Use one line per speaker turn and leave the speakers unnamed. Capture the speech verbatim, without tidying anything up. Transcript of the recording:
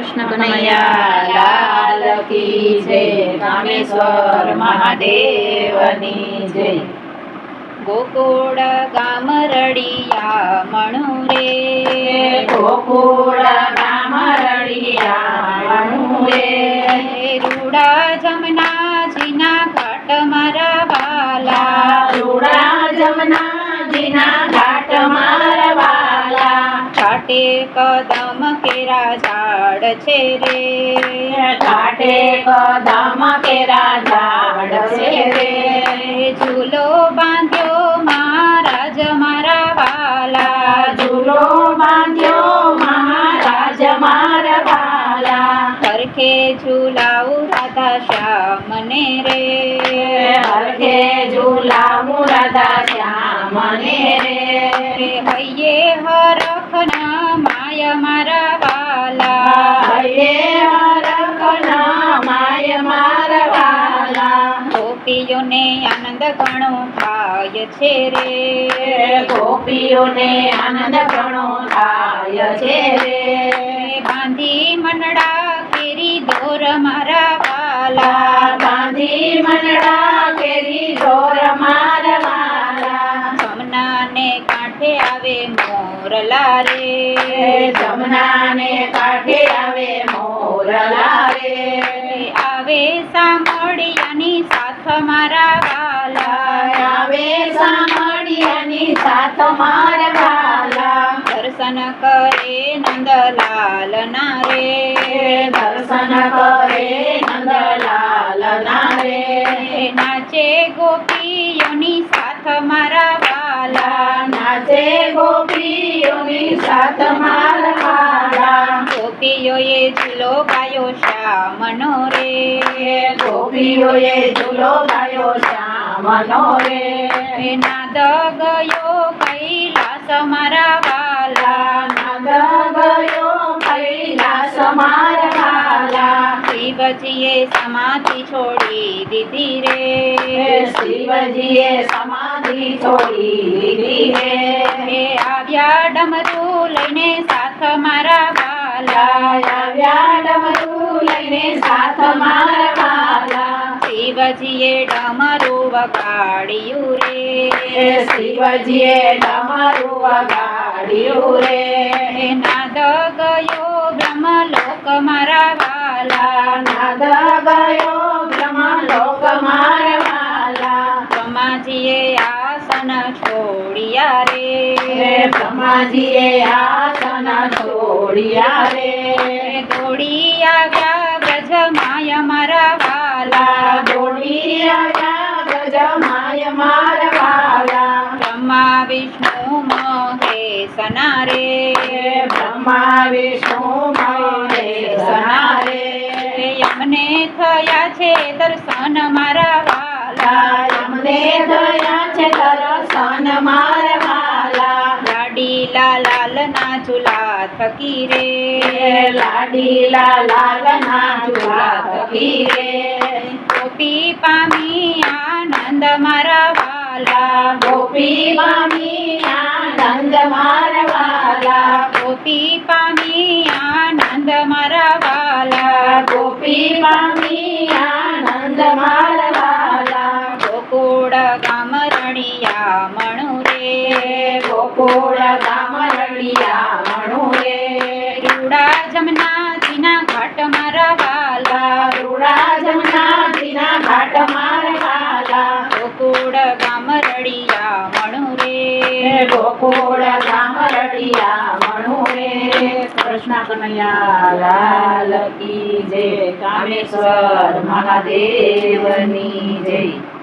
કૃષ્ણ કનૈયા લાલ કી જય, કામેશ્વર મહાદેવની જય।
ગોકુળ ગામ રળિયા મણુ રે,
ગોકુળ ગામ રળિયા મણુ રે,
રૂડા જમનાજીના ઘાટ મારા વાલા,
રૂડા જમનાજીના ઘાટ મારા વાલા,
ઘાટે કદમ કેરા ઝાડ છે રે,
ઘાટે કદમ કેરા ઝાડ છે રે,
ઝૂલો બાંધ્યો મહારાજ મારા વાલા,
ઝૂલો બાંધ્યો મહારાજ મારા વાલા,
હરખે ઝૂલાવું રાધા શ્યામને રે,
હરખે ઝૂલાવું રાધા શ્યામને રે,
હૈયે હરખના માય મારા વાલા,
હૈયે હરખના માય મારા વાલા,
ગોપીઓને આનંદ ઘણો થાય છે રે,
ગોપીઓને આનંદ ઘણો થાય છે રે,
બાંધી મનડા કેરી દોર મારા વાલા,
બાંધી મનડા કેરી દોર મારા વાલા,
જમનાને કાંઠે આવે મોરલા રે,
જમનાને કાંઠે આવે મોરલા રે,
આવે સામળિયાની સાથ મારા વાલા,
આવે સામળિયાની સાથ મારા વાલા,
દર્શન કરે નંદલાલ ના રે,
દર્શન કરે નંદલાલ ના રે,
નાચે ગોપીઓની સાથ મારા વાલા,
નાચે ગોપીઓની સાથ મારા વાલા,
ગોપીઓએ ઝૂલો ગાયો શ્યામનો રે,
ગોપીઓએ ઝૂલો ગાયો શ્યામનો રે,
નાદ ગયો કૈલાસ મારા વાલા,
નાદ ગયો કૈલાસ મારા વાલા,
શિવજીએ સમાધિ છોડી દીધી રે,
શિવજીએ સમાધિ છોડી દીધી રે,
આવ્યા ડમરુ લઈને સાથ મારા વાલા,
આવ્યા ડમરુ લઈને સાથ મારા વાલા,
શિવજીએ ડમરુ વગાડ્યું રે,
શિવજીએ ડમરુ વગાડ્યું રે,
નાદ ગયો બ્રહ્મલોક મારા વાલા,
નાદ ગયો બ્રહ્મલોક મારા વાલા,
બ્રહ્માજીએ આસન છોડ્યા રે,
બ્રહ્માજીએ આસન છોડ્યા રે,
દોડી આવ્યા બ્રજ માય મારા વાલા,
દોડી આવ્યા ગજ માય મારા વાલા,
બ્રહ્મા વિષ્ણુ મહેશના રે,
બ્રહ્મા વિષ્ણુ મહેશના રે,
અમને થયા છે દર્શન મારા વાલા,
અમને થયા છે દર્શન મારા વાલા,
લાડીલા લાલ ના ઝૂલા થકી રે,
લાડીલા લાલ ના ઝૂલા થકી રે,
ગોપી પામી આનંદ મારા વાલા,
ગોપી પામી આનંદ મારા વાલા,
ગોપી પામી આનંદ મારા વાલા,
ગોપી પામી આનંદ મારા વાલા,
ગોકુળ ગામ રળિયા મણુ રે,
ગોકુળ ગામ રળિયા મણુ રે,
રૂડા જમનાજીના ઘાટ મારા વાલા,
રૂડા જમનાજીના ઘાટ મારા વાલા,
ગોકુળ ગામ રળિયા મણુ રે,
ગોકુળ ગામ રળિયા મણુ રે, કૃષ્ણ કનૈયા લાલ કી જય, કામેશ્વર મહાદેવની જય।